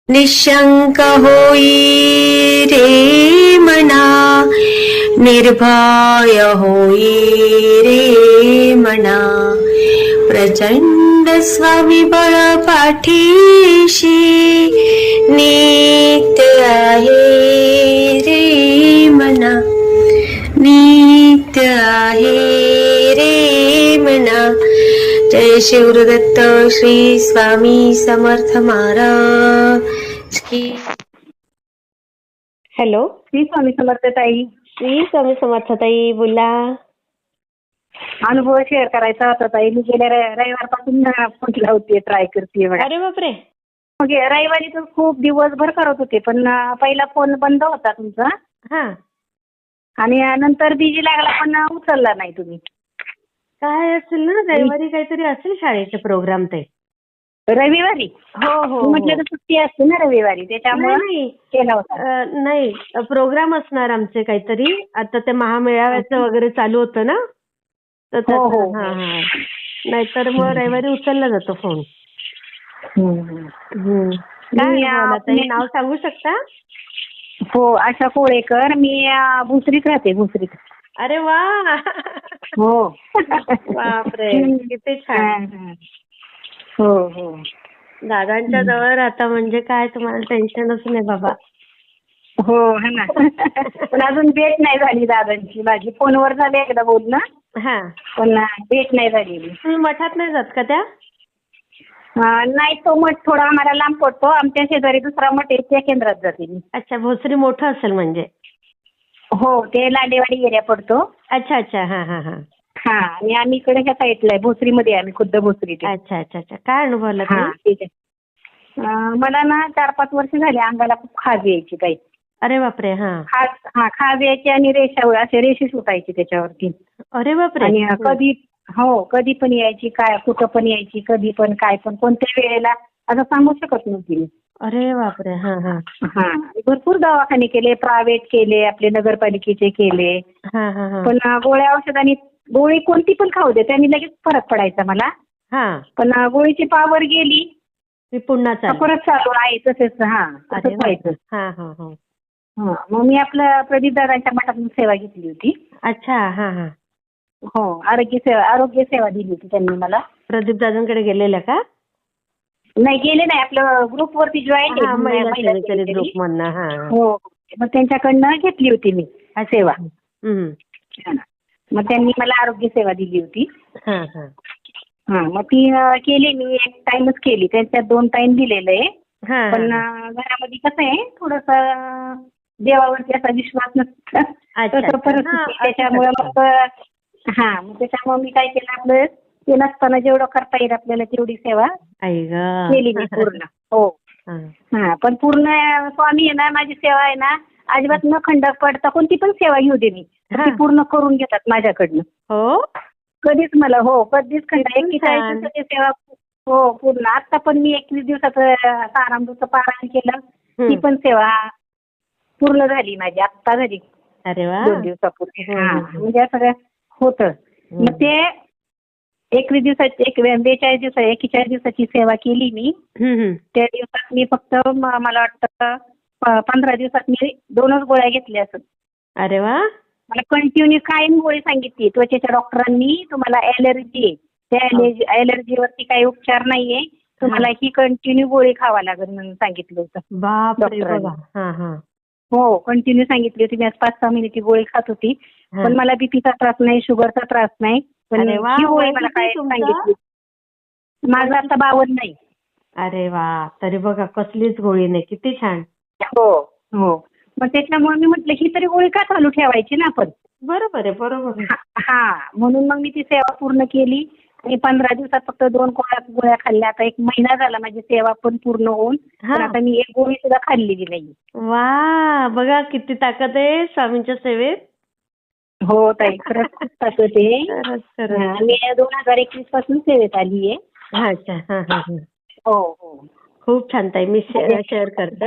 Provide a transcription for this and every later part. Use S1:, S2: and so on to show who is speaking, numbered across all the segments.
S1: निशंक होई रे मना, निर्भय होई रे मना, प्रचंड स्वविबळ पाठीशी नित्य आहे रे मना, नित्य आहे रे मना. जय शिवदत्त श्री स्वामी समर्थ महाराज की. हॅलो,
S2: श्री स्वामी समर्थ ताई.
S1: श्री स्वामी समर्थ ताई, बोला.
S2: अनुभव शेअर करायचा होता ताई. मी गेल्या रविवारपासून फोन होते, ट्राय करते बघा.
S1: अरे बापरे.
S2: मग रविवारी तर खूप दिवसभर करत होते, पण पहिला फोन बंद होता तुमचा
S1: हा,
S2: आणि नंतर बिजी लागला, पण उचलला नाही तुम्ही.
S1: काय असेल ना, रविवारी काहीतरी असेल शाळेचे प्रोग्राम ते.
S2: रविवारी
S1: हो हो,
S2: म्हटलं तर सुट्टी असते ना रविवारी, त्याच्यामुळे
S1: नाही
S2: केला होता.
S1: नाही, प्रोग्राम असणार आमचे काहीतरी. आता ते महामेळाव्याचं वगैरे चालू होतं ना, तर
S2: हो, हो,
S1: हा हा, नाहीतर मग रविवारी उचलला जातो फोन. काय बोला ताई, नाव सांगू शकता?
S2: हो, आशा कोळेकर. मी भुसरीत राहते, भुसरीत.
S1: अरे वा.
S2: हो.
S1: बापरे, किती छान.
S2: हो हो,
S1: दादांच्या जवळ आता म्हणजे काय, तुम्हाला टेन्शनच नाही बाबा.
S2: हो है ना. पण अजून भेट नाही झाली दादांची माझी. फोनवर झाले एकदा बोलणं,
S1: हा,
S2: पण भेट नाही झालेली.
S1: तुम्ही मठात नाही जात का त्या?
S2: नाही, तो मठ थोडा आम्हाला लांब पडतो. आमच्या शेजारी दुसरा मठ आहे, त्या केंद्रात जाते मी.
S1: अच्छा, भोसरी मोठं असेल म्हणजे.
S2: हो, ते लांडेवाडी एरिया पडतो.
S1: अच्छा अच्छा, हा हा हा.
S2: हा, आणि आम्ही इकडे ह्या साईडला आहे, भोसरीमध्ये. आम्ही खुद्द भोसरीत.
S1: अच्छा अच्छा अच्छा, काय अनुभवला
S2: हा,
S1: तुम्ही?
S2: ठीक आहे. मला ना 4-5 वर्ष झाले अंगाला खूप खाज यायची काही.
S1: अरे बापरे. हा,
S2: खाज यायची आणि असे रेषे सुटायची त्याच्यावरती.
S1: अरे बापरे.
S2: आणि कधी पण यायची, काय कुठं पण यायची, कधी पण काय पण कोणत्या वेळेला असं सांगू शकत नव्हती मी.
S1: अरे बापरे. हा हा
S2: हा, भरपूर दवाखाने केले, प्रायव्हेट केले, आपले नगरपालिकेचे केले.
S1: हा हा हा.
S2: पण गोळ्या औषधांनी, गोळी कोणती पण खाऊ दे, त्यांनी लगेच फरक पडायचा मला.
S1: हा,
S2: पण गोळीची पावर गेली,
S1: मी पुन्हा चालू.
S2: परत चालू आहे तसेच. हा, तसंच व्हायचं.
S1: हा हा हा.
S2: मग मी आपलं प्रदीप दादांच्या मठातून सेवा घेतली होती.
S1: अच्छा, हा हा.
S2: हो, आरोग्य सेवा दिली होती त्यांनी मला.
S1: प्रदीप दादांकडे गेलेल्या का?
S2: नाही, गेले नाही. आपलं ग्रुपवरती जॉईन
S1: हा, महिला सेवेकरी ग्रुप मधनं. हा,
S2: हो, मग त्यांच्याकडनं घेतली होती मी सेवा. मग त्यांनी मला आरोग्य सेवा दिली होती.
S1: हा हा.
S2: मग ती केली मी. एक टाइमच केली, त्यांच्यात 2 टाइम दिलेलं आहे.
S1: हा,
S2: पण घरामध्ये कसं आहे, थोडस देवावरती असा विश्वास नसतो, तसं परिस्थिती. त्याच्यामुळे मग त्याच्यामुळे मी काय केलं, आपलं ते नसताना जेवढं करता येईल आपल्याला तेवढी सेवा केली मी पूर्ण. हो. पण पूर्ण स्वामी आहे ना, माझी सेवा आहे ना, अजिबात न खंड पडता कोणती पण सेवा घेऊ दे मी, ती पूर्ण करून घेतात माझ्याकडनं.
S1: हो,
S2: कधीच मला, कधीच खंड. 41 दिवसाची सेवा. हो, पूर्ण. आता पण मी 21 दिवसाचं तारामृतचं पारायण केलं, ती पण सेवा पूर्ण झाली माझी, आत्ता झाली.
S1: अरे वा.
S2: 2 दिवसापूर्वी. म्हणजे सगळं होतं. मग ते 41 दिवसाची सेवा केली मी. त्या दिवसात मी फक्त मला वाटतं 15 दिवसात मी 2च गोळ्या घेतल्या असत.
S1: अरे वा.
S2: मला कंटिन्यू कायम गोळी सांगितली त्वचेच्या डॉक्टरांनी, तुम्हाला ॲलर्जी आहे, त्या ॲलर्जीवरती काही उपचार नाहीये, तुम्हाला ही कंटिन्यू गोळी खावा लागेल म्हणून सांगितलं होतं.
S1: बापरे बाबा.
S2: हो, कंटिन्यू सांगितली होती. मी 5-6 महिने ती गोळी खात होती, पण मला बीपीचा त्रास नाही, शुगरचा त्रास नाही. पण ही गोळी मला काय सांगितली. माझं आता 52 नाही.
S1: अरे वा, तरी बघा कसलीच गोळी नाही, किती छान.
S2: हो हो. मग त्याच्यामुळे मी म्हटलं ही तरी गोळी का चालू ठेवायची ना आपण.
S1: बरोबर आहे, बरोबर आहे.
S2: म्हणून मग मी ती सेवा पूर्ण केली आणि 15 दिवसात फक्त 2 गोळ्या खाल्ल्या. आता 1 महिना झाला माझी सेवा पण पूर्ण होऊन, पण आता मी 1 गोळी सुद्धा खाल्लेली नाही.
S1: वा, बघा किती ताकद आहे स्वामींच्या सेवेत.
S2: हो ताई, खरंच खूप ताकद आहे. मी 2021 पासून सेवेत आली आहे.
S1: अच्छा.
S2: हो हो,
S1: खूप छान ताई, मी शेअर करते.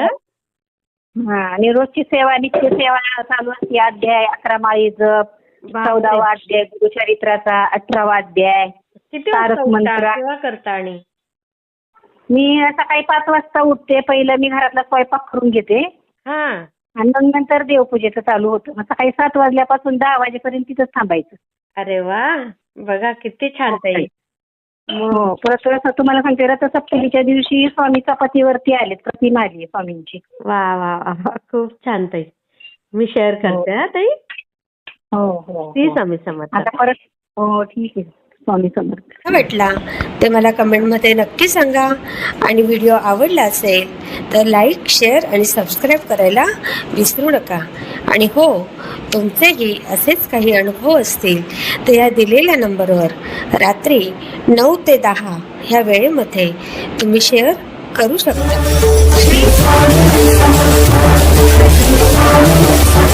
S2: आणि रोजची सेवा, नित्य सेवा चालू असते. अध्याय 11 माळी जप, 14वा अध्याय गुरुचरित्राचा, 18वा अध्याय,
S1: किती
S2: तारक मंत्र.
S1: सेवा करता? आणि
S2: मी सकाळी 5 वाजता उठते. पहिलं मी घरातला स्वयंपाक करून घेते
S1: हा.
S2: आणि मग नंतर देवपूजेचं चालू होतं. मग सकाळी 7 वाजल्यापासून 10 वाजेपर्यंत तिथंच थांबायचं.
S1: अरे वा, बघा किती छान ताई.
S2: हो. परत तुम्हाला सांगते, रथसप्तमीच्या दिवशी स्वामी चपातीवरती आलेत, प्रतिमा आली स्वामींची.
S1: वा वा वा, खूप छान ताई. मी शेअर करते हा ताई.
S2: हो हो
S1: ती
S2: हो.
S1: स्वामी समर्थ.
S2: आता परत हो ठीक आहे. स्वामी समर्थ.
S3: कसा वाटला ते मला कमेंटमध्ये नक्की सांगा. आणि व्हिडिओ आवडला असेल तर लाईक, शेअर आणि सबस्क्राईब करायला विसरू नका. आणि हो, तुमचेही असेच काही अनुभव असतील तर या दिलेल्या नंबरवर रात्री 9 ते 10 ह्या वेळेमध्ये तुम्ही शेअर करू शकता.